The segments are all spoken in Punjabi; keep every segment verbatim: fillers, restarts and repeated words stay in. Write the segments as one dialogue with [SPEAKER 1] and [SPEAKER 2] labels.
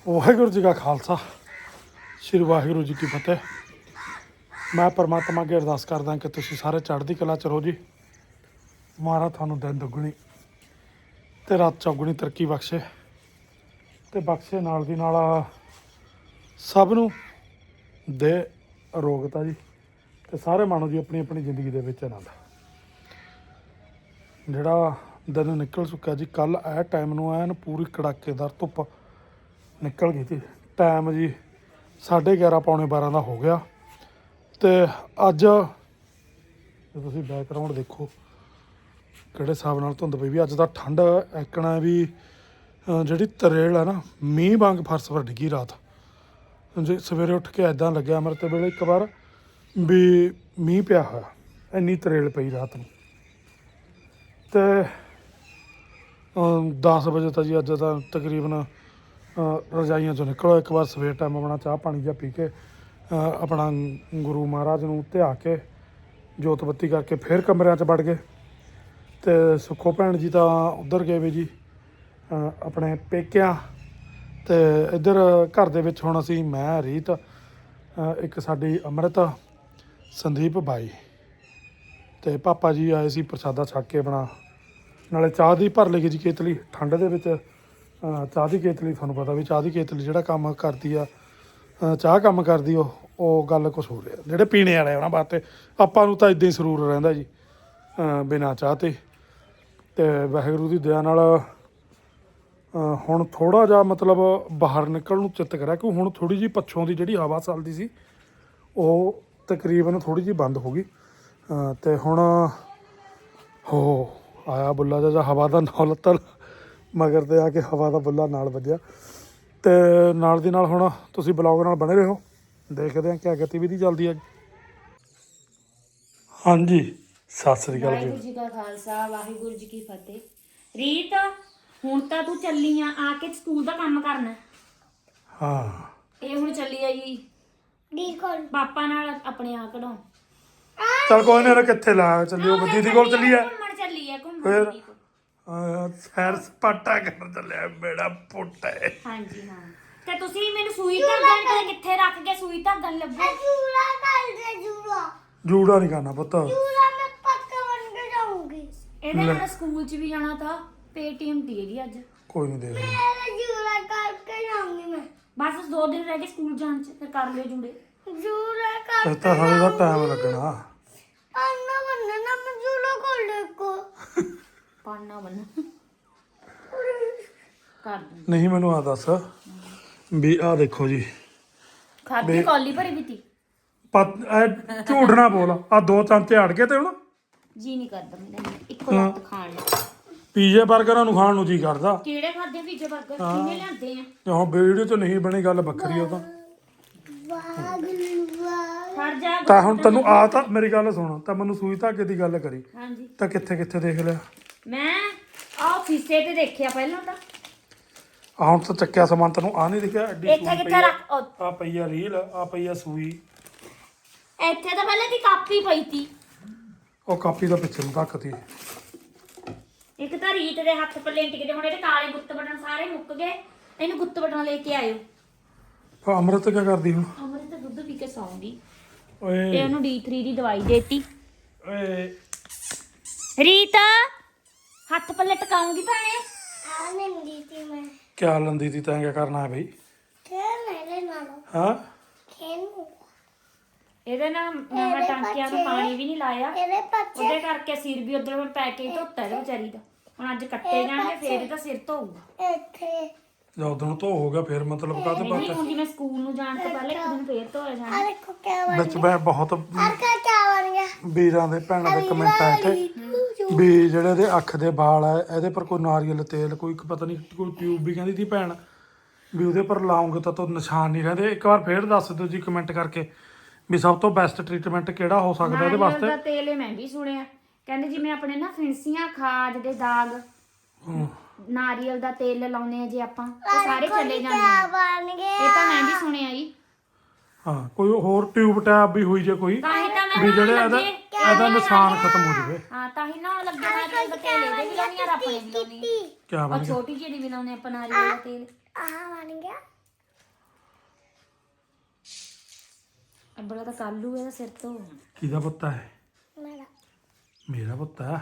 [SPEAKER 1] ਵਾਹਿਗੁਰੂ जी का खालसा श्री वाहिगुरू जी की फतेह। मैं परमात्मा अगे अरदास करदा कि तुसीं सारे चढ़दी कला च रहो जी। महाराज थानू दिन दुगनी ते रात चौगुनी तरक्की बख्शे ते बख्शे नाल दी नाल सब नू दे अरोगता जी ते सारे मानो जी अपनी अपनी जिंदगी दे विच आनंद। जिहड़ा दिन निकल चुका जी, कल ए टाइम नू ऐन पूरी कड़ाकेदार धुप्प निकल गई थी। टाइम जी साढ़े ग्यारह पौने बारह का हो गया। तो अज जो तुम बैकग्राउंड देखो किहड़े हिसाब नाल धुंध पई भी, अज दा ठंड एकना भी जिहड़ी तरेल है ना मींह वांग फर्श पर डिगी रात जी। सवेरे उठ के ऐदा लग्या अमृत वेले एक बार भी मींह पिया होया, इन्नी तरेल पई रात नूं। ते दस बजे तक जी अज दा तकरीबन रजाइयां चों निकलो एक बार सवेर टाइम अपना चाह पानी जा पी के अपना गुरु महाराज नूं ध्या के जोत बत्ती करके फिर कमरिਆਂ 'ਚ ਵੜ गए। तो सुखो भैन जी तो उधर गए भी जी अपने पेकियां। तो इधर घर दे विच हुण असीं मैं रीत एक साडी अमृत संदीप बाई ते पापा जी आए सी प्रसादा छक के अपना नाले चाह दी भर लगी जी केतली। ठंड दे विच चाह की केतली थानू पता भी चाह की केतली जिहड़ा काम करती आ चाह काम करदी ओ ਉਹ ਗੱਲ कुछ हो रहा ਜਿਹੜੇ पीने वाले उन्होंने वास्ते। ਆਪਾਂ ਨੂੰ ਤਾਂ इदां ही ਸਰੂਰ ਰਹਿੰਦਾ जी बिना चाह ते। ਤੇ ਵਾਹਿਗੁਰੂ ਦੀ ਦਇਆ ਨਾਲ ਹੁਣ ਥੋੜਾ ਜਿਹਾ ਮਤਲਬ ਬਾਹਰ ਨਿਕਲਣ ਨੂੰ ਚਿੱਤ ਕਰਿਆ ਕਿ ਹੁਣ ਥੋੜੀ ਜੀ ਪੱਛੋਂ ਦੀ ਜਿਹੜੀ ਹਵਾ ਚੱਲਦੀ ਸੀ ਉਹ ਤਕਰੀਬਨ ਥੋੜੀ ਜੀ ਬੰਦ ਹੋ ਗਈ। ਤੇ ਹੁਣ ਹੋ ਆਇਆ ਬੁੱਲਾ ਜਿਹਾ ਹਵਾ ਦਾ ਨਾਲ ਤਲ ਮਗਰ ਤੇ ਆ ਕੇ ਹਵਾ ਦਾ ਬੁੱਲਾ ਨਾਲ ਵੱਜਿਆ। ਤੇ ਨਾਲ ਦੀ ਨਾਲ ਹੁਣ ਤੁਸੀਂ ਬਲੌਗ ਨਾਲ ਬਣੇ ਰਹੋ, ਦੇਖਦੇ ਹਾਂ ਕਿਆ ਗਤੀਵਿਧੀ ਚੱਲਦੀ ਹੈ। ਹਾਂਜੀ ਸਤਿ ਸ੍ਰੀ ਅਕਾਲ
[SPEAKER 2] ਵਾਹਿਗੁਰੂ ਜੀ ਕਾ ਖਾਲਸਾ ਵਾਹਿਗੁਰੂ ਜੀ ਕੀ ਫਤਿਹ। ਰੀਤ ਹੁਣ ਤਾਂ ਤੂੰ ਚੱਲੀ ਆ ਆ ਕੇ ਸਕੂਲ ਦਾ ਕੰਮ ਕਰਨਾ।
[SPEAKER 1] ਹਾਂ
[SPEAKER 2] ਇਹ ਹੁਣ ਚੱਲੀ ਆ ਜੀ ਪਾਪਾ ਨਾਲ ਆਪਣੇ ਆ ਕਢਾਉਣ।
[SPEAKER 1] ਚਲ ਕੋਈ ਨਾ ਕਿੱਥੇ ਲਾ ਚੱਲਿਓ ਦੀਦੀ ਕੋਲ ਚੱਲੀ ਆ
[SPEAKER 2] ਘੁੰਮਣ ਚੱਲੀ ਆ ਘੁੰਮਣ
[SPEAKER 1] ਫਿਰ
[SPEAKER 2] ਦੀਦੀ ਕੋਲ।
[SPEAKER 1] ਸੈਰ ਸਪਾਟਾ ਕਰਨ ਚੱਲਿਆ ਮੇਰਾ ਪੁੱਤ ਹੈ।
[SPEAKER 2] ਹਾਂਜੀ ਹਾਂ ਤੇ ਤੁਸੀਂ ਮੈਨੂੰ ਸੂਈ ਧਾਗਣ ਤੇ ਕਿੱਥੇ ਰੱਖ ਕੇ ਸੂਈ ਧਾਗਣ ਲੱਭੋ।
[SPEAKER 3] ਜੂੜਾ ਕਰ ਦੇ ਜੂੜਾ
[SPEAKER 1] ਜੂੜਾ ਨਹੀਂ ਕਰਨਾ ਪੁੱਤ।
[SPEAKER 3] ਜੂੜਾ ਮੈਂ ਪੱਕਾ ਬਣ ਕੇ ਜਾਊਂਗੀ।
[SPEAKER 2] ਇਹਦੇ ਨਾਲ ਸਕੂਲ 'ਚ ਵੀ ਜਾਣਾ ਤਾਂ ਪੇਟੀਐਮ ਦੀ ਹੈਗੀ ਅੱਜ।
[SPEAKER 1] ਕੋਈ ਨਹੀਂ ਦੇਖ
[SPEAKER 3] ਮੈਂ ਜੂੜਾ ਕਰਕੇ ਜਾਊਂਗੀ ਮੈਂ।
[SPEAKER 2] ਬਸ ਦੋ ਦਿਨ ਰਹਿ ਗਏ ਸਕੂਲ ਜਾਣ 'ਚ ਫਿਰ ਕਰ ਲਿਓ ਜੂੜੇ।
[SPEAKER 3] ਜੂੜਾ ਕਰ
[SPEAKER 1] ਫਿਰ ਤਾਂ ਹਾਲੇ ਦਾ ਟਾਈਮ ਲੱਗਣਾ।
[SPEAKER 3] ਅੰਨਾ ਬੰਨਣਾ ਮੈਂ ਜੂੜਾ ਕਰ ਦੇਖੋ
[SPEAKER 2] ਪਾਣਾ ਬਣ ਕਰ ਦੂੰ।
[SPEAKER 1] ਨਹੀਂ ਮੈਨੂੰ ਆ ਦੱਸ ਵੀ ਆ ਦੇਖੋ ਜੀ
[SPEAKER 2] ਖਾਦੀ ਕੌਲੀ ਭਰੀ ਵੀ ਤੀ
[SPEAKER 1] ਪਤ ਇਹ ਝੂਠ ਨਾ ਬੋਲ। ਆ ਦੋ ਚਮਚੇ ਅੜ ਗਏ ਤੇ ਹੁਣ
[SPEAKER 2] ਜੀ ਨਹੀਂ ਕਰਦਾ ਮੇਰਾ ਇੱਕੋ ਲੱਤ ਖਾਣ ਨੂੰ।
[SPEAKER 1] ਪੀਜ਼ੇ 버ਗਰਾਂ ਨੂੰ ਖਾਣ ਨੂੰ ਜੀ ਕਰਦਾ।
[SPEAKER 2] ਕਿਹੜੇ ਖਾਦੇ ਪੀਜ਼ੇ 버ਗਰ ਕਿੰਨੇ ਲਿਆਂਦੇ ਆ।
[SPEAKER 1] ਤੇ ਹੁਣ ਵੀਡੀਓ 'ਚ ਨਹੀਂ ਬਣੀ ਗੱਲ ਵੱਖਰੀ ਉਹ ਤਾਂ।
[SPEAKER 3] ਵਾਹ
[SPEAKER 2] ਖੜ ਜਾ
[SPEAKER 1] ਤਾਂ ਹੁਣ ਤੈਨੂੰ ਆ ਤਾਂ ਮੇਰੀ ਗੱਲ ਸੁਣ ਤਾਂ ਮੈਨੂੰ ਸੂਈ ਧਾਗੇ ਦੀ ਗੱਲ ਕਰੀ
[SPEAKER 2] ਹਾਂਜੀ
[SPEAKER 1] ਤਾਂ ਕਿੱਥੇ ਕਿੱਥੇ ਦੇਖ ਲਿਆ।
[SPEAKER 2] ਮੈਂ ਆਹ ਫੀਸੇ ਤੇ ਦੇਖਿਆ ਪਹਿਲਾਂ ਤਾਂ
[SPEAKER 1] ਆ ਹੁਣ ਤਾਂ ਚੱਕਿਆ ਸਮਾਨ ਤੈਨੂੰ ਆ ਨਹੀਂ ਦਿਖਿਆ ਐਡੀ
[SPEAKER 2] ਇੱਥੇ
[SPEAKER 1] ਸੂਈ
[SPEAKER 2] ਕਿੱਥੇ
[SPEAKER 1] ਪਈ
[SPEAKER 2] ਰੱਖ ਉਹ,
[SPEAKER 1] ਆ ਪਈ ਆ ਰੀਲ ਆ ਪਈ ਆ ਸੂਈ।
[SPEAKER 2] ਇੱਥੇ ਤਾਂ ਪਹਿਲਾਂ ਦੀ ਕਾਪੀ ਪਈ ਤੀ।
[SPEAKER 1] ਉਹ ਕਾਪੀ ਦਾ ਪਿੱਛੇ ਨੂੰ ਰੱਖਤੀ।
[SPEAKER 2] ਇੱਕ ਤਾਂ ਰੀਤ ਦੇ ਹੱਥ ਪੱਲੇ ਟਿਕਦੇ ਹੁਣ ਇਹਦੇ ਕਾਲੇ ਗੁੱਤ ਬਟਨ ਸਾਰੇ ਮੁੱਕ ਗਏ। ਇਹਨੂੰ ਗੁੱਤ ਬਟਨ ਲੈ ਕੇ ਆਇਓ।
[SPEAKER 1] ਆ ਅਮਰਤ ਕੀ ਕਰਦੀ ਹੁਣ?
[SPEAKER 2] ਅਮਰ ਤਾਂ ਦੁੱਧ ਪੀ ਕੇ ਸੌਂਗੀ ਤੇ
[SPEAKER 1] ਓਏ
[SPEAKER 2] ਉਹਨੂੰ ਡੀ ਥ੍ਰੀ ਦੀ ਦਵਾਈ ਦੇਤੀ।
[SPEAKER 1] ਓਏ
[SPEAKER 2] ਰੀਤ ਹੱਥ ਪੱਲੇ ਟਿਕਾਉਂਗੀ ਭੈਣੇ।
[SPEAKER 3] ਆ ਨਹੀਂ ਸੀ ਮੈਂ
[SPEAKER 1] ਕਿਆ ਲੰਦੀ ਤੀ ਤੈਂ ਕਿਆ ਕਰਨਾ ਹੈ ਬਈ?
[SPEAKER 3] ਖੇਲ ਮੇਰੇ ਨਾਲ
[SPEAKER 1] ਹਾਂ
[SPEAKER 3] ਖੇਲ
[SPEAKER 2] ਇਹਦੇ ਨਾਲ ਮੈਂ ਟਾਂਕਿਆਂ ਨੂੰ ਪਾਣੀ ਵੀ ਨਹੀਂ ਲਾਇਆ।
[SPEAKER 3] ਇਹਦੇ ਪੱਛੇ
[SPEAKER 2] ਉਹਦੇ ਕਰਕੇ ਸਿਰ ਵੀ ਉਧਰ ਪੈ ਕੇ ਹੀ ਧੋਤਾ ਇਹਦੇ ਵਿਚਾਰੀ ਦਾ। ਹੁਣ ਅੱਜ ਕੱਟੇ ਜਾਣਗੇ ਫੇਰ ਇਹਦਾ ਸਿਰ ਧੋਊਗਾ।
[SPEAKER 3] ਇੱਥੇ
[SPEAKER 1] ਜਦੋਂ ਦਿਨ ਧੋ ਹੋ ਗਿਆ ਫਿਰ ਮਤਲਬ ਕਾਹਦੇ
[SPEAKER 2] ਨਹੀਂ
[SPEAKER 1] ਬਾਤ
[SPEAKER 2] ਹੁਣ ਜਿਵੇਂ ਸਕੂਲ ਨੂੰ ਜਾਣ ਤੋਂ ਪਹਿਲਾਂ ਇੱਕ ਦਿਨ ਫੇਰ ਧੋਇਆ ਜਾਣਾ।
[SPEAKER 3] ਆ ਦੇਖੋ ਕਿਆ ਬਣ
[SPEAKER 1] ਵਿੱਚ ਮੈਂ ਬਹੁਤ
[SPEAKER 3] ਆ ਕਾ ਕਿਆ ਬਣ ਗਿਆ।
[SPEAKER 1] ਵੀਰਾਂ ਦੇ ਭੈਣਾਂ ਦੇ ਕਮੈਂਟ ਆਏ ਤੇ ਵੀ ਜਿਹੜੇ ਇਹਦੇ ਅੱਖ ਦੇ ਵਾਲ ਆ ਇਹਦੇ ਪਰ ਕੋਈ ਨਾਰੀਅਲ ਤੇਲ ਕੋਈ ਇੱਕ ਪਤਾ ਨਹੀਂ ਕੋਈ ਟਿਊਬ ਵੀ ਕਹਿੰਦੀ ਸੀ ਭੈਣ ਵੀ ਉਹਦੇ ਪਰ ਲਾਉਂਗੇ ਤਾਂ ਤੋਂ ਨਿਸ਼ਾਨ ਨਹੀਂ ਰਹਿੰਦੇ। ਇੱਕ ਵਾਰ ਫੇਰ ਦੱਸ ਦਿਓ ਜੀ ਕਮੈਂਟ ਕਰਕੇ ਵੀ ਸਭ ਤੋਂ ਬੈਸਟ ਟ੍ਰੀਟਮੈਂਟ ਕਿਹੜਾ ਹੋ ਸਕਦਾ ਇਹਦੇ ਵਾਸਤੇ।
[SPEAKER 2] ਨਾਰੀਅਲ ਦਾ ਤੇਲ ਇਹ ਮੈਂ ਵੀ ਸੁਣਿਆ ਕਹਿੰਦੇ ਜਿਵੇਂ ਆਪਣੇ ਨਾ ਫਿੰਸੀਆਂ ਖਾਜ ਦੇ ਦਾਗ ਨਾਰੀਅਲ ਦਾ ਤੇਲ ਲਾਉਨੇ ਆ ਜੇ ਆਪਾਂ ਉਹ ਸਾਰੇ ਚਲੇ ਜਾਂਦੇ
[SPEAKER 3] ਕਿਆ
[SPEAKER 2] ਆ।
[SPEAKER 3] ਬਣ ਗਿਆ।
[SPEAKER 2] ਇਹ ਤਾਂ ਮੈਂ ਵੀ ਸੁਣਿਆ ਜੀ।
[SPEAKER 1] ਹਾਂ ਕੋਈ ਹੋਰ ਟਿਊਬ ਟੈਬ ਵੀ ਹੋਈ ਜੇ ਕੋਈ
[SPEAKER 2] ਤਾਂ ਹੀ ਤਾਂ ਮੈਂ
[SPEAKER 1] ਵੀ ਜਿਹੜੇ
[SPEAKER 2] ਨਹਾਉਣ
[SPEAKER 1] ਇਹਦਾ
[SPEAKER 2] ਲੱਗੇ।
[SPEAKER 1] ਇਹਦਾ ਨਿਸ਼ਾਨ ਖਤਮ ਹੋ ਜਾਵੇ।
[SPEAKER 2] ਹਾਂ ਤਾਂ ਹੀ ਨਾ ਲੱਗੇ ਨਾਰੀਅਲ ਦਾ ਤੇਲ ਇਹਦੇ ਵੀ ਲਾਉਣੀ ਆ ਆਪਣੇ ਵੀ ਲਾਉਣੀ ਆ।
[SPEAKER 1] ਕਿਆ
[SPEAKER 2] ਉਹ
[SPEAKER 1] ਬਣ ਗਿਆ?
[SPEAKER 2] ਛੋਟੀ ਜਿਹੀ ਵੀ ਲਾਉਨੇ ਆਪਾਂ ਨਾਰੀਅਲ ਦਾ ਤੇਲ।
[SPEAKER 3] ਆ ਬਣ ਗਿਆ।
[SPEAKER 2] ਅੱਬਲਾ ਤਾਂ ਕੱਲੂ ਇਹਦਾ ਸਿਰ ਤੋਂ
[SPEAKER 1] ਕਿਹਦਾ ਪੁੱਤ ਹੈ?
[SPEAKER 3] ਮੇਰਾ
[SPEAKER 1] ਮੇਰਾ ਪੁੱਤ ਹੈ।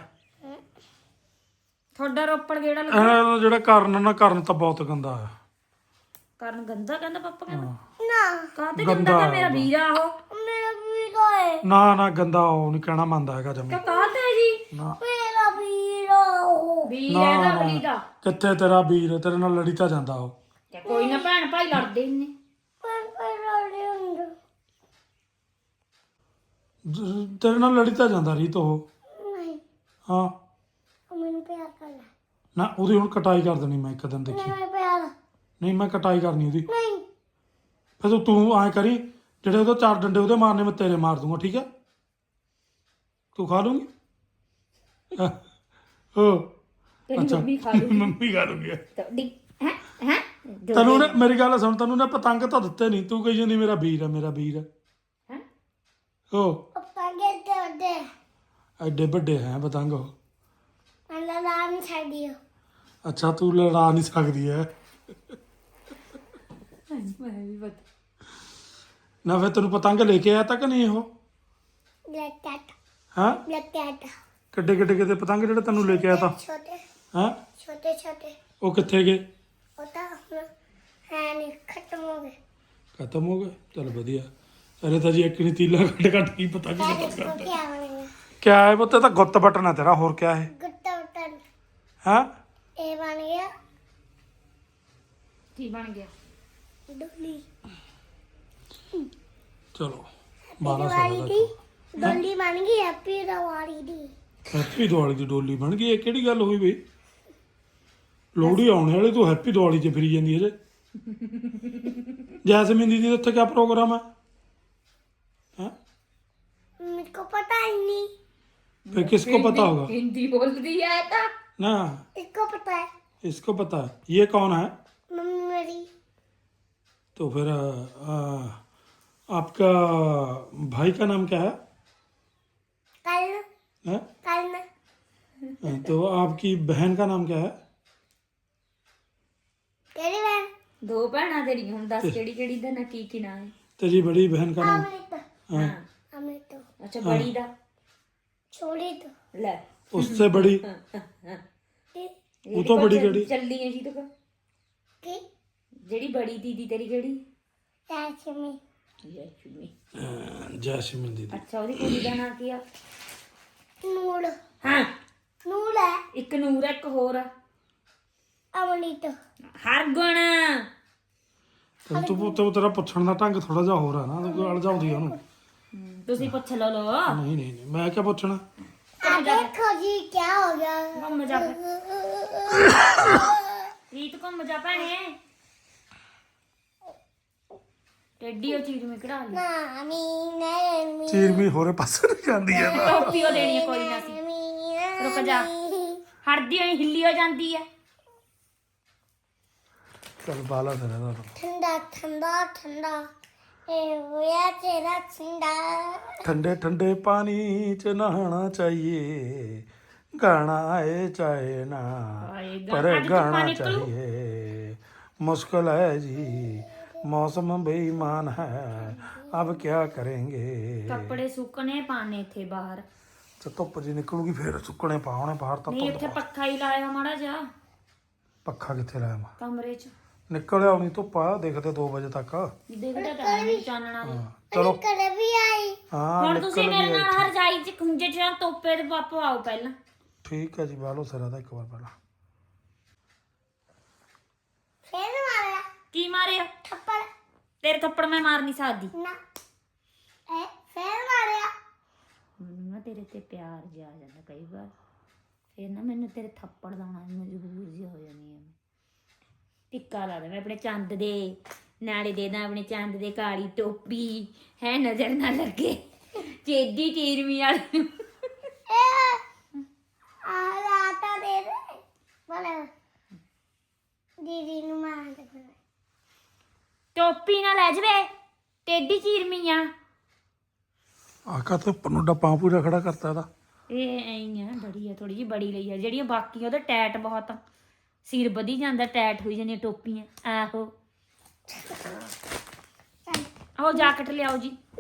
[SPEAKER 2] ਤੁਹਾਡਾ ਰੋਪੜ ਗੇੜਾ ਲੱਗਾ
[SPEAKER 1] ਇਹ ਜਿਹੜਾ ਕਰਨ ਨਾ ਕਰਨ ਤਾਂ ਬਹੁਤ ਗੰਦਾ ਹੈ।
[SPEAKER 2] ਕਰਨ ਗੰਦਾ ਕਹਿੰਦਾ ਪਾਪਾ ਕਹਿੰਦਾ
[SPEAKER 3] ਨਾ
[SPEAKER 2] ਕਾਹਤੇ ਗੰਦਾ ਕਿ ਮੇਰਾ ਵੀਰਾ ਉਹ
[SPEAKER 3] ਮੇਰਾ ਵੀਰਾ ਹੈ
[SPEAKER 1] ਨਾ ਨਾ ਗੰਦਾ ਉਹ ਨਹੀਂ ਕਹਿਣਾ ਮੰਨਦਾ ਹੈਗਾ ਜਮੀ।
[SPEAKER 2] ਕਿ ਕਾਹਤੇ ਜੀ
[SPEAKER 1] ਨਾ
[SPEAKER 3] ਮੇਰਾ ਵੀਰਾ ਉਹ
[SPEAKER 2] ਵੀਰ
[SPEAKER 1] ਨਾ,
[SPEAKER 2] ਇਹਦਾ
[SPEAKER 1] ਨਾ।
[SPEAKER 2] ਬਲੀ ਦਾ
[SPEAKER 1] ਕਿੱਥੇ ਤੇਰਾ ਵੀਰ? ਤੇਰੇ ਨਾਲ ਲੜੀ ਤਾਂ ਜਾਂਦਾ ਉਹ।
[SPEAKER 2] ਤੇ ਕੋਈ ਨਾ ਭੈਣ ਭਾਈ ਲੜਦੇ ਹੀ ਨੇ
[SPEAKER 3] ਪਰ ਪਰ ਲੜੇ ਹੁੰਦੇ
[SPEAKER 1] ਜ- ਤੇਰੇ ਨਾਲ ਲੜੀ ਤਾਂ ਜਾਂਦਾ ਰੀਤ ਉਹ।
[SPEAKER 3] ਨਹੀਂ
[SPEAKER 1] ਹਾਂ
[SPEAKER 3] ਉਹ ਮੈਨੂੰ ਪਿਆਰ ਕਰਦਾ
[SPEAKER 1] ਨਾ ਉਹਦੀ ਹੁਣ ਕਟਾਈ ਕਰ ਦੇਣੀ ਮੈਂ ਇੱਕ ਦਿਨ ਦੇਖੀ।
[SPEAKER 3] ਨਹੀਂ ਮੈਂ ਪਿਆਰ
[SPEAKER 1] ਨਹੀਂ ਮੈਂ ਕਟਾਈ ਕਰਨੀ ਉਹਦੀ।
[SPEAKER 3] ਨਹੀਂ
[SPEAKER 1] ਫਿਰ ਤੂੰ ਤੂੰ ਐਂ ਕਰੀ ਜਿਹੜੇ ਉਹਦੇ ਚਾਰ ਡੰਡੇ ਉਹਦੇ ਮਾਰਨੇ ਮੈਂ ਤੇਰੇ ਮਾਰ ਦੂੰਗਾ ਠੀਕ ਹੈ? ਤੂੰ ਖਾ ਲੂੰਗੀ? ਹਾਂ। ਹੋ
[SPEAKER 2] ਤੇਰੀ ਮੰਮੀ ਖਾ ਲੂ
[SPEAKER 1] ਮੰਮੀ ਖਾ ਲੂੰਗੀ।
[SPEAKER 2] ਤੁਹਾਡੀ ਹੈ ਹੈ
[SPEAKER 1] ਤੈਨੂੰ ਨੇ ਮੇਰੀ ਗੱਲ ਸੁਣ, ਤੈਨੂੰ ਨੇ ਪਤੰਗ ਤਾਂ ਦਿੱਤੇ ਨਹੀਂ, ਤੂੰ ਕਹੀ ਜਾਂਦੀ ਮੇਰਾ ਵੀਰ ਹੈ ਮੇਰਾ ਵੀਰ ਹੈ।
[SPEAKER 2] ਹੈ
[SPEAKER 1] ਹੋ
[SPEAKER 3] ਪਪਾ ਕਹਿੰਦੇ ਉਹਦੇ
[SPEAKER 1] ਐਡੇ ਵੱਡੇ ਹੈ ਪਤੰਗ ਉਹ।
[SPEAKER 3] ਮੈਂ ਲੜਾ ਨਹੀਂ ਸਕਦੀ ਉਹ
[SPEAKER 1] ਅੱਛਾ ਤੂੰ ਲੜਾ ਨਹੀਂ ਸਕਦੀ ਹੈ
[SPEAKER 2] ਮੈਂ ਵੀ ਪਤਾ
[SPEAKER 1] ਨਾ। ਫਿਰ ਤੈਨੂੰ ਪਤੰਗ ਲੈ ਕੇ ਆਇਆ ਤਾਂ ਕਿ ਨਹੀਂ ਉਹ?
[SPEAKER 3] ਲੱਟਟ
[SPEAKER 1] ਹਾਂ
[SPEAKER 3] ਲੱਟਟ
[SPEAKER 1] ਕਿੱਡੇ ਕਿੱਡੇ ਕਿਤੇ ਪਤੰਗ ਜਿਹੜੇ ਤੈਨੂੰ ਲੈ ਕੇ ਆਇਆ ਤਾਂ?
[SPEAKER 3] ਛੋਟੇ
[SPEAKER 1] ਹਾਂ
[SPEAKER 3] ਛੋਟੇ ਛੋਟੇ
[SPEAKER 1] ਉਹ ਕਿੱਥੇ ਗਏ?
[SPEAKER 3] ਉਹ ਤਾਂ ਹੁਣ ਹੈ ਨਹੀਂ ਖਤਮ ਹੋ ਗਏ
[SPEAKER 1] ਖਤਮ ਹੋ ਗਏ? ਚਲ ਵਧੀਆ। ਅਰੇ ਤਾਂ ਜੀ ਇੱਕ ਨਹੀਂ ਤੀਲਾ ਕੱਢ ਕੱਢ ਕੀ ਪਤਾ ਕੀ
[SPEAKER 3] ਤਾਂ
[SPEAKER 1] ਪਤਾ
[SPEAKER 3] इसको क्या बनेगा
[SPEAKER 1] ਕਿਆ ਹੈ ਪੁੱਤ? ਇਹ ਤਾਂ ਗੁੱਤ ਬਟਨ ਹੈ ਤੇਰਾ, ਹੋਰ ਕਿਆ ਹੈ?
[SPEAKER 3] गुट्टा बटन
[SPEAKER 1] ਹਾਂ
[SPEAKER 3] ये बन गया
[SPEAKER 2] ਕੀ ਬਣ ਗਿਆ
[SPEAKER 3] डोली
[SPEAKER 1] ਚਲੋ ਬਾਰਾਂ
[SPEAKER 3] दिवाली
[SPEAKER 1] ਸਾਲ
[SPEAKER 3] दी
[SPEAKER 1] ਦਾ
[SPEAKER 3] डोली बन गई हैप्पी दिवाली दी
[SPEAKER 1] ਹੈਪੀ ਦੀਵਾਲੀ ਦੀ ਡੋਲੀ ਬਣ ਗਈ। ਇਹ ਕਿਹੜੀ ਗੱਲ ਹੋਈ ਬਈ? ਲੋਹੜੀ ਆਉਣੇ ਵਾਲੀ, ਤੂੰ ਹੈਪੀ ਦੀਵਾਲੀ 'ਚ ਫਿਰੀ ਜਾਂਦੀ ਹੈ ਜੇ। ਜੈਸਮੀਨ ਦੀਦੀ ਦਾ ਉੱਥੇ ਕਿਆ ਪ੍ਰੋਗਰਾਮ ਹੈ? ਹੈਂ?
[SPEAKER 3] मेरे को पता ही नहीं
[SPEAKER 1] फिर किसको पता होगा?
[SPEAKER 2] ਹਿੰਦੀ ਬੋਲਦੀ ਹੈ ਇਹ ਤਾਂ
[SPEAKER 1] ना
[SPEAKER 3] इसको पता है
[SPEAKER 1] इसको पता है। ये कौन है?
[SPEAKER 3] मम्मी मेरी
[SPEAKER 1] तो फिर आ, आपका भाई का नाम क्या है?
[SPEAKER 3] कल
[SPEAKER 1] हैं?
[SPEAKER 3] कल में
[SPEAKER 1] तो आपकी बहन का नाम क्या है?
[SPEAKER 3] तेरी बहन
[SPEAKER 2] ਦੋ ਭੈਣਾਂ ਤੇਰੀਆਂ ਹੁਣ ਦੱਸ ਕਿਹੜੀ ਕਿਹੜੀ ਦਾ ਨਾ ਕੀ ਕੀ ਨਾਂ ਹੈ
[SPEAKER 1] तेरी बड़ी बहन का नाम?
[SPEAKER 3] अमृत
[SPEAKER 1] हाँ।
[SPEAKER 3] अमृत
[SPEAKER 2] ਅੱਛਾ ਬੜੀ ਦਾ
[SPEAKER 3] छोड़ी तो
[SPEAKER 2] ਲੈ
[SPEAKER 1] उससे बड़ी?
[SPEAKER 3] की
[SPEAKER 1] ਉਹ ਤੋਂ ਬੜੀ ਕਿਹੜੀ?
[SPEAKER 2] ਚੱਲੀ ਹੈ ਜੀ ਤੂੰ
[SPEAKER 3] की
[SPEAKER 2] ਜਿਹੜੀ ਬੜੀ ਦੀਦੀ ਤੇਰੀ ਕਿਹੜੀ
[SPEAKER 3] लक्ष्मी
[SPEAKER 2] ਜੈਸ਼ਮੀ
[SPEAKER 1] हाँ, जैस्मिन दीदी।
[SPEAKER 2] ਅੱਛਾ ਉਹਦੀ ਕੁੜੀ ਦਾ ਨਾਂ ਕੀ ਆ
[SPEAKER 3] नूर
[SPEAKER 2] ਹਾਂ
[SPEAKER 3] नूर है
[SPEAKER 2] ਇੱਕ ਨੂਰ ਆ, ਇੱਕ ਹੋਰ ਆ
[SPEAKER 3] अमृत
[SPEAKER 2] ਹਰਗੁਣ
[SPEAKER 1] ਤੈਨੂੰ ਤੂੰ ਤੂੰ ਤੇਰਾ ਪੁੱਛਣ ਦਾ ਢੰਗ ਥੋੜਾ ਜਿਹਾ ਹੋਰ ਹੈ ਨਾ, ਤੂੰ ਅੜ ਜਾਂਦੀ ਆ ਉਹਨੂੰ।
[SPEAKER 2] ਤੁਸੀਂ ਪੁੱਛ ਲਓ ਲੋ
[SPEAKER 1] ਨਹੀਂ ਨਹੀਂ ਨਹੀਂ ਮੈਂ ਕਿਆ ਪੁੱਛਣਾ?
[SPEAKER 3] आ देखो जी क्या हो गया
[SPEAKER 2] ਘੁੰਮ ਜਾ ਰੀਤ ਘੁੰਮ ਜਾ ਭੈਣੇ ਟੇਡੀ ਉਹ ਚੀਜ਼ ਮੈਂ ਕਢਾ ਲਈ
[SPEAKER 3] नानी नानी
[SPEAKER 1] ਚੀਰ ਵੀ ਹੋਰੇ ਪਾਸੇ ਨੂੰ ਜਾਂਦੀ ਹੈ ਨਾ।
[SPEAKER 2] ਟੋਪੀ ਉਹ ਦੇਣੀ ਹੈ ਕੋਈ ਨਾ ਸੀ ਰੁਕ ਜਾ ਹੜਦੀ ਹੋਈ ਹਿੱਲੀ ਹੋ ਜਾਂਦੀ ਹੈ
[SPEAKER 1] ਚੱਲ ਬਾਲਾ ਤੇਰਾ ਦਾ
[SPEAKER 3] ठंडा ठंडा ठंडा ए होया तेरा ठंडा
[SPEAKER 1] ठंडे ठंडे पानी च नहाना चाहिए, गाना आए चाहे ना
[SPEAKER 2] आएगा।
[SPEAKER 1] पर
[SPEAKER 2] आज तो
[SPEAKER 1] गाना
[SPEAKER 2] पानी तो-
[SPEAKER 1] चाहिए। मुश्किल है जी, मौसम बेईमान है, अब क्या करेंगे।
[SPEAKER 2] ਕੱਪੜੇ ਸੁੱਕਣੇ ਪਾਣੇ ਥੇ ਬਾਹਰ
[SPEAKER 1] ਤੇ ਧੁੱਪ ਜੀ ਨਿਕਲੂਗੀ ਫੇਰ ਸੁੱਕਣੇ ਪਾਉਣੇ ਬਾਹਰ ਤਾਂ
[SPEAKER 2] ਨਹੀਂ ਇੱਥੇ
[SPEAKER 1] ਧੁੱਪ।
[SPEAKER 2] ਪੱਖਾ ਹੀ ਲਾਇਆ ਮਾੜਾ ਜਾ
[SPEAKER 1] ਪੱਖਾ ਕਿੱਥੇ ਲਾਇਆ ਮੈਂ?
[SPEAKER 2] ਕਮਰੇ 'ਚ
[SPEAKER 1] ਨਿਕਲ ਆਉਣੀ ਧੁੱਪ ਆ, ਦੇਖਦੇ ਦੋ ਵਜੇ ਤੱਕ।
[SPEAKER 2] ਦੇਖਦਾ ਤਾਂ ਹੈ ਨਹੀਂ ਚਾਨਣਾ ਵੀ।
[SPEAKER 1] ਚਲੋ
[SPEAKER 3] करे भी आई
[SPEAKER 1] ਹਾਂ
[SPEAKER 2] ਹੁਣ
[SPEAKER 1] ਨਿਕਲ
[SPEAKER 2] ਤੁਸੀਂ ਮੇਰੇ
[SPEAKER 1] ਗਈ
[SPEAKER 2] ਨਾਲ ਰਜਾਈ 'ਚ ਖੁੰਝੇ 'ਚ ਜਾਂ ਤੋਪੇ ਦੇ ਪਾਪੋ ਆਓ ਪਹਿਲਾਂ
[SPEAKER 1] ਠੀਕ ਹੈ ਜੀ, ਬਾਲੋ ਸਿਰਾ ਦਾ ਇੱਕ ਵਾਰ ਪਹਿਲਾਂ।
[SPEAKER 3] फिर मारा
[SPEAKER 2] ਕੀ ਮਾਰਿਆ
[SPEAKER 3] थप्पड़
[SPEAKER 2] ਤੇਰੇ ਥੱਪੜ ਮੈਂ ਮਾਰ ਨਹੀਂ ਸਕਦੀ
[SPEAKER 3] ना ए फिर मारा
[SPEAKER 2] ਮੈਨੂੰ ਨਾ ਤੇਰੇ ਤੇ ਪਿਆਰ ਜਿਹਾ ਆ ਜਾਂਦਾ ਕਈ ਵਾਰ ਫਿਰ ਨਾ ਮੈਨੂੰ ਤੇਰੇ ਥੱਪੜ ਲਾਉਣਾ ਮਜਬੂਰ ਜਿਹਾ ਹੋ ਜਾਂਦੀ ਆ ਟਿੱਕਾ ਲਾ ਦੇ ਮੈਂ ਆਪਣੇ ਚੰਦ ਦੇ ਨਾਲੇ ਦੇ ਦਾਂ ਆਪਣੇ ਚੰਦ ਦੇ ਕਾਲੀ ਟੋਪੀ ਹੈ ਨਜ਼ਰ ਨਾ ਲੱਗੇ ਚੇਦੀ ਚੀਰਮੀ ਵਾਲੀ ਨੂੰ
[SPEAKER 3] ए आ आता दे दे बोले दीदी नु मार दे
[SPEAKER 2] ਟੋਪੀ ਨਾ ਲੈ ਜਵੇ ਟੇਡੀ ਚੀਰਮੀ ਆ
[SPEAKER 1] ਆਕਾ ਤਾਂ ਪਨੂ ਡੱਪਾ ਪੂਰਾ ਖੜਾ ਕਰਤਾ ਇਹਦਾ।
[SPEAKER 2] ਇਹ ਐਂ ਆ ਬੜੀ ਆ ਥੋੜੀ ਜਿਹੀ ਬੜੀ ਲਈ ਆ ਜਿਹੜੀਆਂ ਬਾਕੀ ਉਹਦੇ ਟੈਟ ਬਹੁਤ ਆ ਸਿਰ ਵਧੀ ਜਾਂਦਾ ਟੈਟ ਹੋਈ ਜਾਂਦੀਆਂ ਟੋਪੀਆਂ ਆਹੋ ਆਹੋ ਜਾਕਟ ਲਿਆਓ ਜੀ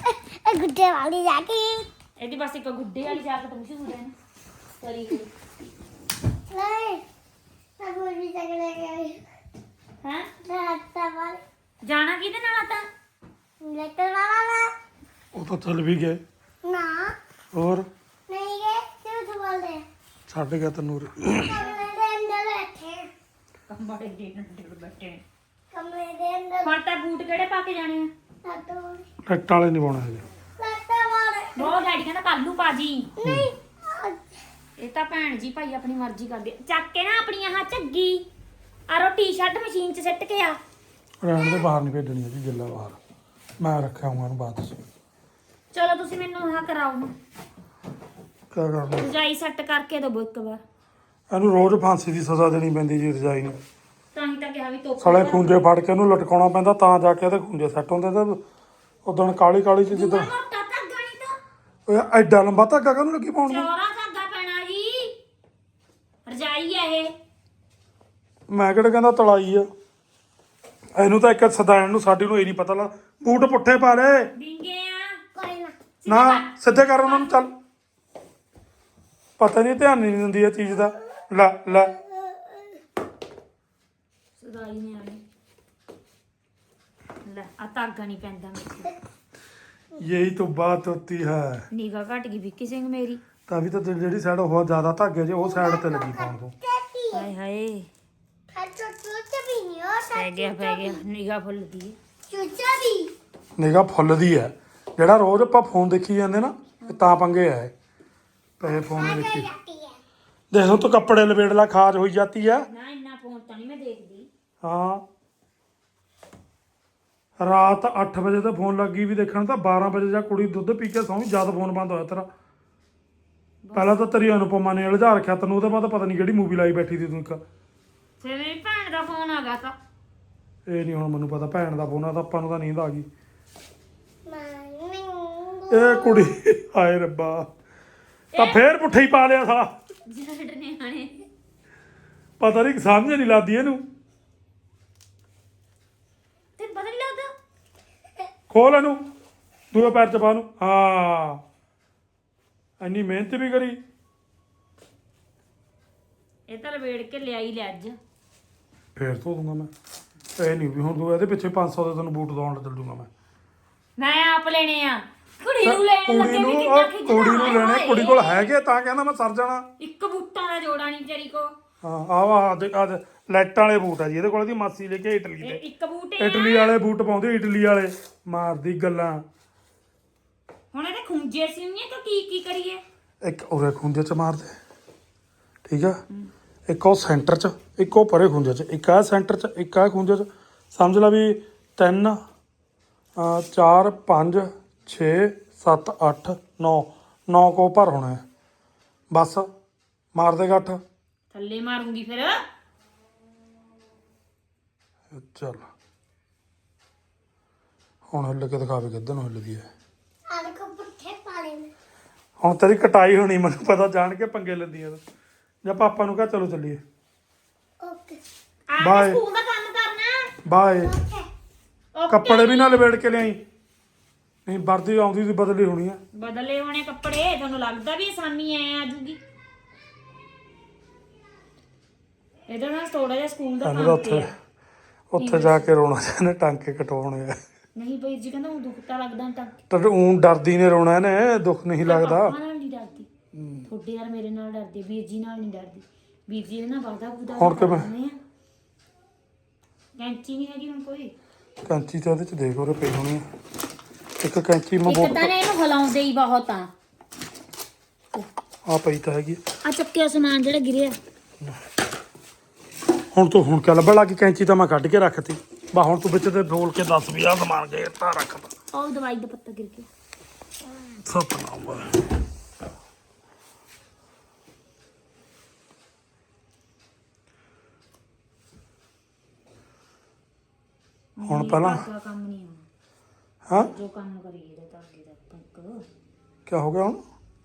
[SPEAKER 3] ਇਹ ਗੁੱਡੇ ਵਾਲੀ ਜਾ ਕੇ
[SPEAKER 2] ਇਹਦੀ ਬਸ ਇੱਕ ਗੁੱਡੇ ਵਾਲੀ ਜਾਕਟ ਮਸ਼ਹੂਰ ਹੈ ਨਾ ਕਰੀ ਹੋਈ
[SPEAKER 3] ਨਹੀਂ ਸਭ ਵੀ ਚੱਕਲੇ ਗਏ
[SPEAKER 2] ਹੈ
[SPEAKER 3] ਰਾਤਾ ਵਾਲ
[SPEAKER 2] ਜਾਣਾ ਕਿਹਦੇ ਨਾਲ ਆ ਤਾਂ
[SPEAKER 3] ਲੈਟਰ ਵਾਲਾ
[SPEAKER 1] ਉਹ ਤਾਂ ਚੱਲ ਵੀ ਗਏ
[SPEAKER 3] ਨਾ
[SPEAKER 1] ਹੋਰ
[SPEAKER 3] ਨਹੀਂ ਗਏ ਕਿਉਂ ਬੋਲਦੇ
[SPEAKER 1] ਛੱਡ ਗਿਆ ਤੈਨੂੰ ਉਰੇ।
[SPEAKER 3] ਕਮਰੇ ਦੇ ਅੰਦਰ ਬੈਠੇ
[SPEAKER 2] ਕੰਬੜੇ ਦੇ ਨਾਲ ਬੈਠੇ
[SPEAKER 3] ਕਮਰੇ ਦੇ ਅੰਦਰ
[SPEAKER 2] ਹੁਣ ਤਾਂ ਬੂਟ ਕਿਹੜੇ ਪਾ ਕੇ ਜਾਣੇ ਆ
[SPEAKER 3] ਲੱਟੂ
[SPEAKER 1] ਟੱਟ ਵਾਲੇ ਨਹੀਂ ਪਾਉਣੇ ਹੈਗੇ
[SPEAKER 3] ਲੱਟਾ ਵਾਲ
[SPEAKER 2] ਬਹੁਤ ਡੈਡੀ ਕਹਿੰਦਾ ਕੱਲੂ ਪਾਜੀ
[SPEAKER 3] ਨਹੀਂ
[SPEAKER 2] ਇਹ ਤਾਂ ਭੈਣ ਜੀ ਭਾਈ ਆਪਣੀ ਮਰਜ਼ੀ ਕਰਦੇ ਆ। ਚੱਕ ਕੇ ਨਾ ਆਪਣੀ ਆਹ ਝੱਗੀ ਆਰੋ ਟੀ-ਸ਼ਰਟ ਮਸ਼ੀਨ 'ਚ ਸਿੱਟ ਕੇ ਆ
[SPEAKER 1] ਰਹਿਣ ਦੇ ਬਾਹਰ ਨਹੀਂ ਭੇਜਣੀ ਹੈਗੀ ਗਿੱਲਾ ਬਾਹਰ ਮੈਂ ਰੱਖਿਆ ਹੂੰ ਇਹਨੂੰ ਬਾਅਦ ਚ
[SPEAKER 2] ਚਲੋ ਤੁਸੀਂ ਮੈਨੂੰ ਆਹ ਕਰਾਓ ਨਾ
[SPEAKER 1] ਕਿਆ ਕਰਨਾ
[SPEAKER 2] ਰਜਾਈ ਸੈੱਟ ਕਰਕੇ ਦੋ ਇੱਕ ਵਾਰ
[SPEAKER 1] ਇਹਨੂੰ ਰੋਜ਼ ਫਾਂਸੀ ਦੀ ਸਜ਼ਾ ਦੇਣੀ ਪੈਂਦੀ ਜੀ ਰਜਾਈ ਨੂੰ
[SPEAKER 2] ਤਾਂ ਹੀ ਤਾਂ ਕਿਹਾ ਵੀ ਤੋਪ
[SPEAKER 1] ਸਾਲੇ ਖੂੰਜੇ ਫੜ ਕੇ ਇਹਨੂੰ ਲਟਕਾਉਣਾ ਪੈਂਦਾ ਤਾਂ ਜਾ ਕੇ ਇਹਦੇ ਖੂੰਜੇ ਸੈੱਟ ਹੁੰਦੇ ਤੇ ਉਦੋਂ ਕਾਲੀ ਕਾਲੀ ਚ ਜਿੱਦਾਂ
[SPEAKER 2] ਮੋਟਾ ਧਾਗਾ ਨਹੀਂ ਤਾਂ
[SPEAKER 1] ਓਏ ਐਡਾ ਲੰਬਾ ਧਾਗਾ ਕਾਹਨੂੰ ਲੱਗੀ ਪਾਉਣ ਨੂੰ
[SPEAKER 2] ਚੌੜਾ ਧਾਗਾ ਪੈਣਾ ਜੀ ਰਜਾਈ ਆ ਇਹ
[SPEAKER 1] ਮੈਂ ਕਿਹੜਾ ਕਹਿੰਦਾ ਤਲਾਈ ਆ ਇਹਨੂੰ ਤਾਂ ਇੱਕ ਸਦਾਇਣ ਨੂੰ ਸਾਡੀ ਨੂੰ ਇਹ ਨਹੀਂ ਪਤਾ ਲਾ ਬੂਟ ਪੁੱਠੇ ਪਾ ਲੈ
[SPEAKER 2] ਵਿੰਗੇ ਆ
[SPEAKER 3] ਕੋਈ ਨਾ
[SPEAKER 1] ਨਾ ਸਿੱਧੇ ਕਰ ਉਹਨਾਂ ਨੂੰ ਚੱਲ ਪਤਾ ਨਹੀਂ ਧਿਆਨ ਨਹੀਂ ਦਿੰਦੀ ਇਹ ਚੀਜ਼ ਦਾ ਲੈ ਲੈ
[SPEAKER 2] ਸਦਾਈ ਨੇ ਆਣੀ ਲੈ ਆ ਧਾਗਾ ਨਹੀਂ ਪੈਂਦਾ ਮੇਰੇ
[SPEAKER 1] ਯਹੀ ਤਾਂ ਬਾਤ ਹੋਤੀ ਹੈ
[SPEAKER 2] ਨਿਗਾ ਘਟ ਗਈ ਵਿੱਕੀ ਸਿੰਘ ਮੇਰੀ
[SPEAKER 1] ਤਾਂ ਵੀ ਤਾਂ ਜਿਹੜੀ ਸਾਈਡ ਉਹ ਜ਼ਿਆਦਾ ਧਾਗੇ ਜੇ ਉਹ ਸਾਈਡ ਤੇ ਲੱਗੀ ਪਾਉਣ ਤੋਂ
[SPEAKER 3] ਟੈਟੀ
[SPEAKER 2] ਹਾਏ ਹਾਏ
[SPEAKER 3] ਹੈ ਚੁੱਚਾ ਵੀ ਨਹੀਂ ਹੋ
[SPEAKER 2] ਪੈ ਗਿਆ ਪੈ ਗਿਆ ਨਿਗਾ ਫੁੱਲਦੀ ਹੈ
[SPEAKER 3] ਚੁੱਚਾ ਵੀ
[SPEAKER 1] ਨਿਗਾ ਫੁੱਲਦੀ ਹੈ ਜਿਹੜਾ ਰੋਜ਼ ਆਪਾਂ ਫੋਨ ਦੇਖੀ ਜਾਂਦੇ ਨਾ ਇਹ ਤਾਂ ਪੰਗੇ ਆ ਇਹ ਪਏ ਫੋਨ ਨਹੀਂ ਦੇਖੀ
[SPEAKER 3] ਜਾਤੀ ਹੈ
[SPEAKER 1] ਦੇਖੋ ਤੂੰ ਕੱਪੜੇ ਲਪੇੜ ਲਾ ਖਾਜ ਹੋਈ ਜਾਂਦੀ ਆ
[SPEAKER 2] ਨਾ ਇੰਨਾ ਫੋਨ ਤਾਂ ਨਹੀਂ ਮੈਂ ਦੇਖਦੀ
[SPEAKER 1] ਹਾਂ ਰਾਤ ਅੱਠ ਵਜੇ ਤੇ ਫੋਨ ਲੱਗੀ ਵੀ ਦੇਖਣ ਤਾਂ ਬਾਰਾਂ ਵਜੇ ਜਾ ਕੁੜੀ ਦੁੱਧ ਪੀ ਕੇ ਸੌਂ ਜਦ ਫੋਨ ਬੰਦ ਹੋਇਆ ਤੇਰਾ ਪਹਿਲਾਂ ਤਾਂ ਤੇਰੀ ਅਨੁਪਮਾ ਨੇ ਉਲਝਾ ਰੱਖਿਆ ਤੈਨੂੰ ਉਹਦੇ ਬਾਅਦ ਪਤਾ ਨਹੀਂ ਕਿਹੜੀ ਮੂਵੀ ਲਾਈ ਬੈਠੀ ਸੀ ਤੂੰ ਇੱਕ
[SPEAKER 2] ਫਿਰ ਮੇਰੀ ਭੈਣ ਦਾ ਫੋਨ ਆ ਗਿਆ ਤਾਂ
[SPEAKER 1] ਇਹ ਨਹੀਂ ਹੁਣ ਮੈਨੂੰ ਪਤਾ ਭੈਣ ਦਾ ਫੋਨ ਆ ਤਾਂ ਆਪਾਂ ਨੂੰ ਤਾਂ ਨੀਂਦ ਆ ਗਈ
[SPEAKER 3] ਮੈਂ
[SPEAKER 1] ਇਹ ਕੁੜੀ ਹਾਏ ਰੱਬਾ ਤਾਂ ਫੇਰ ਪੁੱਠੇ ਹੀ ਪਾ ਲਿਆ ਸਾ
[SPEAKER 2] ਜੱਟ ਨੇ ਆਣੇ
[SPEAKER 1] ਪਤਾ ਨਹੀਂ ਸਮਝ ਨਹੀਂ ਲੱਗਦੀ ਇਹਨੂੰ
[SPEAKER 2] ਤੇ ਪਤਾ ਨਹੀਂ ਲੱਗਦਾ
[SPEAKER 1] ਖੋਲ ਇਹਨੂੰ ਦੂਏ ਪੈਰ ਚ ਪਾ ਨੂੰ ਹਾਂ ਇੰਨੀ ਮਿਹਨਤ ਵੀ ਕਰੀ
[SPEAKER 2] ਇਹ ਤਾਂ ਲਵੇੜ ਕੇ ਲਿਆਈ ਲੈ ਅੱਜ
[SPEAKER 1] ਫੇਰ ਧੋ ਦੂੰਗਾ ਮੈਂ ਇਹ ਨਹੀਂ ਵੀ ਹੁਣ ਤੂੰ ਇਹਦੇ ਪਿੱਛੇ ਪੰਜ ਸੌ ਦੇ ਤੈਨੂੰ ਬੂਟ ਦਵਾਉਣ ਚੱਲ ਦੂੰਗਾ ਮੈਂ
[SPEAKER 2] ਮੈਂ ਆਪ ਲੈਣੇ ਆ ਕੁੜੀ ਨੂੰ ਲੈਣ
[SPEAKER 1] ਕੁੜੀ
[SPEAKER 2] ਲੱਗੇ
[SPEAKER 1] ਨੂੰ
[SPEAKER 2] ਵੀ
[SPEAKER 1] ਉਹ
[SPEAKER 2] ਕਿੰਨਾ
[SPEAKER 1] ਕੁੜੀ ਨੂੰ
[SPEAKER 2] ਖਿੱਚਦਾ
[SPEAKER 1] ਲੈਣੇ ਕੁੜੀ ਕੋਲ ਹੈਗੇ ਤਾਂ ਕਹਿੰਦਾ ਮੈਂ ਸਰ ਜਾਣਾ
[SPEAKER 2] ਇੱਕ ਬੂਟਾਂ ਦਾ ਜੋੜਾ ਨਹੀਂ ਵਿਚਾਰੀ ਕੋ
[SPEAKER 1] ਹਾਂ ਆਹ ਆ ਦੇ ਆ ਲਾਈਟਾਂ ਵਾਲੇ ਬੂਟ ਆ ਜੀ ਇਹਦੇ ਕੋਲ ਦੀ ਮਾਸੀ ਲੈ ਕੇ ਇਟਲੀ
[SPEAKER 2] ਇਹ
[SPEAKER 1] ਦੇ
[SPEAKER 2] ਇੱਕ ਬੂਟੇ
[SPEAKER 1] ਇਟਲੀ ਵਾਲੇ ਬੂਟ ਪਾਉਂਦੇ ਇਟਲੀ ਵਾਲੇ ਮਾਰਦੀ ਗੱਲਾਂ
[SPEAKER 2] ਹੁਣ ਇਹਦੇ ਖੁੰਝੇ ਸੀ ਨਹੀਂ ਤਾਂ ਕੀ ਕੀ ਕਰੀਏ
[SPEAKER 1] ਇੱਕ ਉਰੇ ਖੁੰਝੇ ਚ ਮਾਰਦੇ ਠੀਕ ਆ ਇੱਕ ਉਹ ਸੈਂਟਰ ਚ ਇੱਕ ਉਹ ਪਰੇ ਖੁੰਝੇ ਚ ਇੱਕ ਆ ਸੈਂਟਰ ਚ ਇੱਕ ਆ ਖੁੰਝੇ ਚ ਸਮਝ ਲਾ ਵੀ ਤਿੰਨ ਅਹ ਚਾਰ ਪੰਜ ਛੇ ਸੱਤ ਅੱਠ ਨੌ ਨੌ ਕੋ ਭਰ ਹੋਣਾ ਹੈ ਬਸ ਮਾਰ ਦੇ ਗੱਠ
[SPEAKER 2] ਥੱਲੇ ਮਾਰੂੰਗੀ ਫਿਰ
[SPEAKER 1] ਚੱਲ ਹੁਣ ਹਿੱਲ ਕੇ ਦਿਖਾਵੇ ਕਿੱਧਰ ਨੂੰ ਹਿੱਲਦੀ ਹੈ
[SPEAKER 3] ਆਲੇ ਕੋ ਪੁੱਠੇ ਪਾਲੇ ਨੇ
[SPEAKER 1] ਹੁਣ ਤੇਰੀ ਕਟਾਈ ਹੋਣੀ ਮੈਨੂੰ ਪਤਾ ਜਾਣ ਕੇ ਪੰਗੇ ਲੈਂਦੀ ਆ ਜਾਂ ਪਾਪਾ ਨੂੰ ਕਹ ਚਲੋ ਚੱਲੀਏ
[SPEAKER 3] ਓਕੇ
[SPEAKER 2] ਆ ਕੇ
[SPEAKER 1] Bye.
[SPEAKER 2] ਸਕੂਲ ਦਾ ਕੰਮ ਕਰਨਾ
[SPEAKER 1] ਬਾਏ
[SPEAKER 3] ਓਕੇ
[SPEAKER 2] ਓਕੇ।
[SPEAKER 1] ਕੱਪੜੇ ਵੀ ਨਾ ਲਵੇੜ ਕੇ ਲਿਆਈ ਨਹੀਂ ਵਰਦੀ ਆਉਂਦੀ ਸੀ ਬਦਲੀ ਹੋਣੀ ਆ
[SPEAKER 2] ਬਦਲੇ ਹੋਣੇ ਕੱਪੜੇ ਤੁਹਾਨੂੰ ਲੱਗਦਾ ਵੀ ਆਸਾਨੀ ਐ ਆ ਜੂਗੀ ਇਹਦਾ ਨਾ ਥੋੜਾ ਜਿਹਾ ਸਕੂਲ ਦਾ
[SPEAKER 1] ਇਹਨੂੰ ਤਾਂ
[SPEAKER 2] ਕੰਮ ਤੇ
[SPEAKER 1] ਉੱਥੇ
[SPEAKER 2] ਆ।
[SPEAKER 1] ਉੱਥੇ ਜਾ ਕੇ ਰੋਣਾ ਚਾਹਨੇ ਟਾਂਕੇ ਕਟਵਾਉਣੇ ਆ
[SPEAKER 2] ਨਹੀਂ ਬਈ ਜੀ ਕਹਿੰਦਾ ਉਹ ਦੁੱਖ ਤਾਂ ਲੱਗਦਾ ਤਾਂ
[SPEAKER 1] ਤੇ ਊਂ ਡਰਦੀ ਨੇ ਰੋਣਾ ਇਹਨੇ ਦੁੱਖ ਨਹੀਂ ਲੱਗਦਾ
[SPEAKER 2] ਪਾਪਾ ਨਾਲ ਨਹੀਂ ਡਰਦੀ ਤੁਹਾਡੇ ਯਾਰ ਮੇਰੇ ਨਾਲ ਡਰਦੀ ਵੀਰ ਜੀ ਨਾਲ ਨਹੀਂ ਡਰਦੀ ਵੀਰ ਜੀ ਇਹਨਾਂ ਵਾਦਾ ਬੁਦਾ
[SPEAKER 1] ਹੁਣ ਕਿਵੇਂ?
[SPEAKER 2] ਕੈਂਚੀ ਨਹੀਂ ਹੈਗੀ ਹੁਣ ਕੋਈ
[SPEAKER 1] ਕੈਂਚੀ ਤਾਂ ਉਹਦੇ ਚ ਦੇਖ ਉਹਰੇ ਪਈ ਹੋਣੀ ਆ ਇੱਕ ਕੈਂਚੀ ਮੈਂ
[SPEAKER 2] ਇੱਕ
[SPEAKER 1] ਬਹੁਤ
[SPEAKER 2] ਤਾਂ ਨੇ ਇਹਨੂੰ ਹਿਲਾਉਂਦੇ ਹੀ ਬਹੁਤ ਆ
[SPEAKER 1] ਆ ਪਈ ਤਾਂ ਹੈਗੀ
[SPEAKER 2] ਆ ਚੱਕਿਆ ਸਮਾਨ ਜਿਹੜਾ ਗਿਰਿਆ
[SPEAKER 1] ਹੁਣ ਤੂੰ ਹੁਣ ਕਿਆ ਲੱਭਣ ਲੱਗੀ ਕੈਂਚੀ ਤਾਂ ਮੈਂ ਕੱਢ ਕੇ ਰੱਖਤੀ ਬਾ ਹੁਣ ਤੂੰ ਵਿੱਚ ਤੇ ਬੋਲ ਕੇ ਦੱਸ ਵੀ ਆ ਸਮਾਨ ਗਏ ਤਾਂ ਰੱਖਦਾ
[SPEAKER 2] ਉਹ ਦਵਾਈ ਦਾ ਪੱਤਾ ਗਿਰ ਗਿਆ
[SPEAKER 1] ਸਤਨਾਮ ਵਾਹਿਗੁਰੂ। ਹੁਣ ਪਹਿਲਾਂ
[SPEAKER 2] ਧਾਗਾ ਕੰਮ ਨਹੀਂ ਆਉਣਾ
[SPEAKER 1] ਹਾਂ
[SPEAKER 2] ਜੋ ਕੰਮ ਕਰੀਏ ਤਾਂ ਧਾਗੇ ਦਾ ਪੰਕ
[SPEAKER 1] ਕੀ ਹੋ ਗਿਆ ਹੁਣ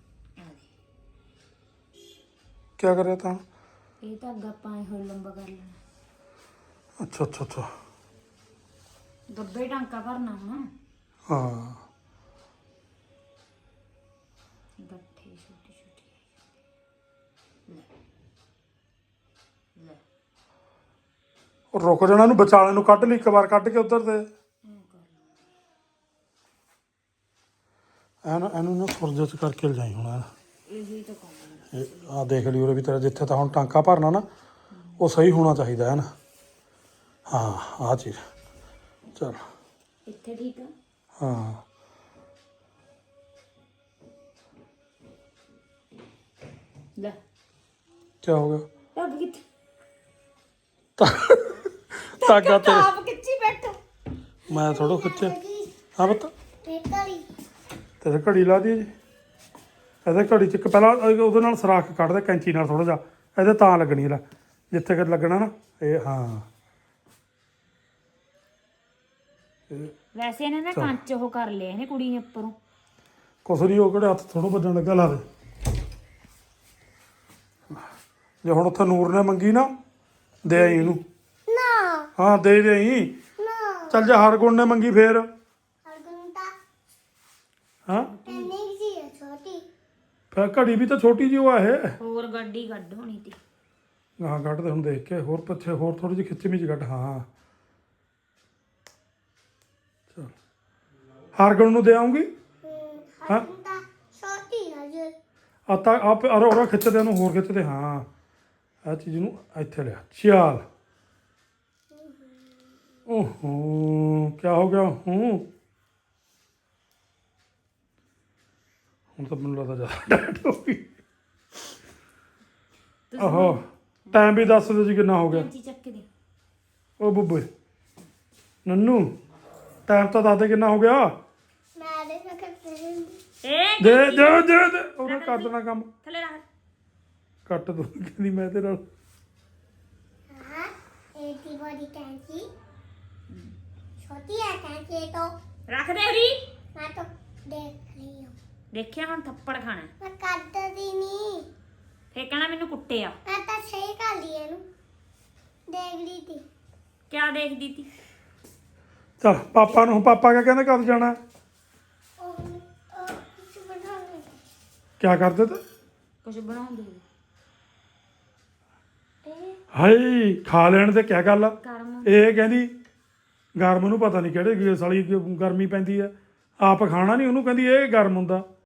[SPEAKER 1] ਕੀ ਕਰਿਆ ਤਾਂ
[SPEAKER 2] ਇਹ ਧਾਗਾ ਆਪਾਂ ਇਹ ਹੋਰ ਲੰਬਾ ਕਰ ਲੈਣਾ
[SPEAKER 1] ਅੱਛਾ ਅੱਛਾ ਅੱਛਾ
[SPEAKER 2] ਗੱਬੇ ਟਾਂਕਾ ਭਰਨਾ ਹੁਣ
[SPEAKER 1] ਹਾਂ
[SPEAKER 2] ਗੱਠੇ ਛੋਟੇ ਛੋਟੇ ਲੈ ਲੈ
[SPEAKER 1] ਉਹ ਰੁਕ ਜਾਣਾ, ਇਹਨੂੰ ਵਿਚਾਲੇ ਨੂੰ ਕੱਢ ਲਈ ਇੱਕ ਵਾਰ, ਕੱਢ ਕੇ ਉੱਧਰ ਤੇ
[SPEAKER 2] ਐਂ ਕਰ ਲਓ।
[SPEAKER 1] ਐਨ ਇਹਨੂੰ ਨਾ ਸੁਰਜੇ ਚ ਕਰਕੇ ਲਿਜਾਈ ਹੁਣ ਐਨ।
[SPEAKER 2] ਇਹੀ ਤਾਂ ਕੰਮ ਹੈ।
[SPEAKER 1] ਇਹ ਆਹ ਦੇਖ ਲਈ ਉਰੇ ਵੀ ਤੇਰਾ ਜਿੱਥੇ ਤਾਂ ਹੁਣ ਟਾਂਕਾ ਭਰਨਾ ਨਾ ਉਹ ਸਹੀ ਹੋਣਾ ਚਾਹੀਦਾ ਹੈ ਨਾ। ਹਾਂ ਆਹ ਚੀਜ਼ ਚਲ
[SPEAKER 2] ਇੱਥੇ ਠੀਕ ਆ।
[SPEAKER 1] ਹਾਂ
[SPEAKER 2] ਲੈ
[SPEAKER 1] ਕੀ ਹੋ ਗਿਆ?
[SPEAKER 2] ਟੱਬ ਕਿੱਥੇ
[SPEAKER 1] ਧਾਗਾ ਤੇਰੇ
[SPEAKER 2] ਆਪ ਕਿੱਚੀ ਬੈਠੋ।
[SPEAKER 1] ਮੈਂ ਥੋੜੋ ਖਿੱਚਿਆ। ਹਾਂ ਪੁੱਤ
[SPEAKER 3] ਬੇਕਰੀ
[SPEAKER 1] ਤੇਰੇ ਘੜੀ ਲਾ ਦੀ ਜੀ। ਇਹਦੇ ਘੜੀ ਚ ਇੱਕ ਪਹਿਲਾਂ ਉਹਦੇ ਨਾਲ ਸਰਾਖ ਕੱਢ ਦੇ ਕੈਂਚੀ ਨਾਲ ਥੋੜਾ ਜਿਹਾ, ਇਹਦੇ ਤਾਂ ਲੱਗਣੀ ਲੈ ਜਿੱਥੇ ਕਿ ਲੱਗਣਾ ਨਾ ਇਹ। ਹਾਂ
[SPEAKER 2] ਵੈਸੇ ਇਹਨੇ ਨਾ ਕੰਚ ਉਹ ਕਰ ਲਿਆ ਇਹਨੇ ਕੁੜੀ ਨੇ ਉੱਪਰੋਂ।
[SPEAKER 1] ਕੁਛ ਨਹੀਂ, ਉਹ ਕਿਹੜੇ ਹੱਥ ਥੋੜੋ ਵੱਜਣ ਲੱਗਾ, ਲਾ ਦੇ। ਜੇ ਹੁਣ ਉੱਥੇ ਨੂਰ ਨੇ ਮੰਗੀ ਨਾ ਦੇ ਆਈ ਇਹਨੂੰ।
[SPEAKER 3] ਨਾ
[SPEAKER 1] ਹਾਂ ਦੇ ਦੇ ਆਈ।
[SPEAKER 3] ਨਾ
[SPEAKER 1] ਚੱਲ ਜਾ ਹਰਗੁਣ ਨੇ ਮੰਗੀ ਫੇਰ।
[SPEAKER 3] ਹਰਗੁੰਤਾ
[SPEAKER 1] ਹਾਂ
[SPEAKER 3] ਇੰਨੀ ਜੀ ਹੈ ਛੋਟੀ।
[SPEAKER 1] ਫਿਰ ਘੜੀ ਵੀ ਤਾਂ ਛੋਟੀ ਜਿਹੀ ਉਹ ਆ ਇਹ।
[SPEAKER 2] ਹੋਰ ਗੱਡੀ ਕੱਢ ਹੋਣੀ ਤੀ।
[SPEAKER 1] ਹਾਂ ਕੱਢਦੇ ਹੁਣ ਦੇਖ ਕੇ, ਹੋਰ ਪਿੱਛੇ ਹੋਰ ਥੋੜੀ ਜਿਹੀ ਖਿੱਚਵੀਂ ਚ ਕੱਢ। ਹਾਂ ਚਲ ਹਰਗੁਣ ਨੂੰ ਦੇ ਆਉਂਗੀ।
[SPEAKER 3] ਹਮ, ਹਰਗੁੰਤਾ ਛੋਟੀ ਹੈ ਜੀ।
[SPEAKER 1] ਆ ਤਾਂ ਆਪ ਅਰੋ ਅਰੋ ਖਿੱਚਦੇ ਉਹਨੂੰ, ਹੋਰ ਖਿੱਚਦੇ। ਹਾਂ ਆ ਚੀਜ਼ ਨੂੰ ਇੱਥੇ ਲਿਆ। ਚੱਲ ਓਹੋ ਕੀ ਹੋ ਗਿਆ? ਹੂੰ ਹੁਣ ਤਾਂ ਮੈਨੂੰ ਲੱਗਦਾ ਜ਼ਿਆਦਾ ਟਾਈਟ ਹੋ ਗਈ। ਆਹੋ ਟਾਈਮ ਵੀ ਦੱਸ ਦਿਓ ਜੀ ਕਿੰਨਾ ਹੋ ਗਿਆ।
[SPEAKER 2] ਕੈਂਚੀ ਚੱਕ ਦੇ।
[SPEAKER 1] ਉਹ ਬੁੱਬੇ ਨੰਨੂ ਟਾਈਮ ਤਾਂ ਦੱਸ ਦੇ ਕਿੰਨਾ ਹੋ ਗਿਆ।
[SPEAKER 3] ਮੈਂ ਦੇ ਸਕਦੇ
[SPEAKER 2] ਏ
[SPEAKER 1] ਦੇ ਦੇ ਦੇ ਦੇ ਉਹਨੇ ਕਰ ਦੇਣਾ ਕੰਮ।
[SPEAKER 2] ਥੱਲੇ ਰੱਖ।
[SPEAKER 1] ਕੱਟ ਦੋ ਕਹਿੰਦੀ ਮੈਂ ਤੇ ਨਾਲ।
[SPEAKER 3] ਹਾਂ ਇਹ ਦੀ ਬੜੀ ਕੈਂਚੀ ਛੋਟੀ ਹੈ ਕੈਂਚੀ तो
[SPEAKER 2] ਰੱਖ ਦੇ ਉਰੀ।
[SPEAKER 3] मैं तो देख रही हूँ।
[SPEAKER 2] ਦੇਖਿਆ ਹੁਣ ਥੱਪੜ ਖਾਣਾ।
[SPEAKER 3] मैं करती नहीं।
[SPEAKER 2] ਫੇਰ ਕਹਿਣਾ ਮੈਨੂੰ ਕੁੱਟਿਆ।
[SPEAKER 3] मैं तो सही कर लिया नू देख रही थी।
[SPEAKER 2] ਕਿਆ ਦੇਖਦੀ ਤੀ?
[SPEAKER 1] ਚਲ ਪਾਪਾ ਨੂੰ, ਪਾਪਾ ਕਿਆ ਕਹਿੰਦੇ ਕਦ ਜਾਣਾ?
[SPEAKER 3] ओ, ओ, कुछ बनाने।
[SPEAKER 1] ਕਿਆ ਕਰਦੇ ਤੇ?
[SPEAKER 2] ਕੁਝ ਬਣਾਉਂਦੇ
[SPEAKER 3] ए,
[SPEAKER 1] ਹਾਏ ਖਾ ਲੈਣ ਤੇ ਕਿਆ ਗੱਲ ਆ?
[SPEAKER 2] ਕਰਮ।
[SPEAKER 1] ਇਹ ਕਹਿੰਦੀ ਗਰਮ ਨੂੰ ਪਤਾ ਨਹੀਂ ਕਿਹੜੇ ਸਾਲੀ ਗ- ਗਰਮੀ ਪੈਂਦੀ ਆ, ਆਪ ਖਾਣਾ ਨਹੀਂ, ਉਹਨੂੰ ਕਹਿੰਦੀ ਇਹ ਗਰਮ ਹੁੰਦਾ।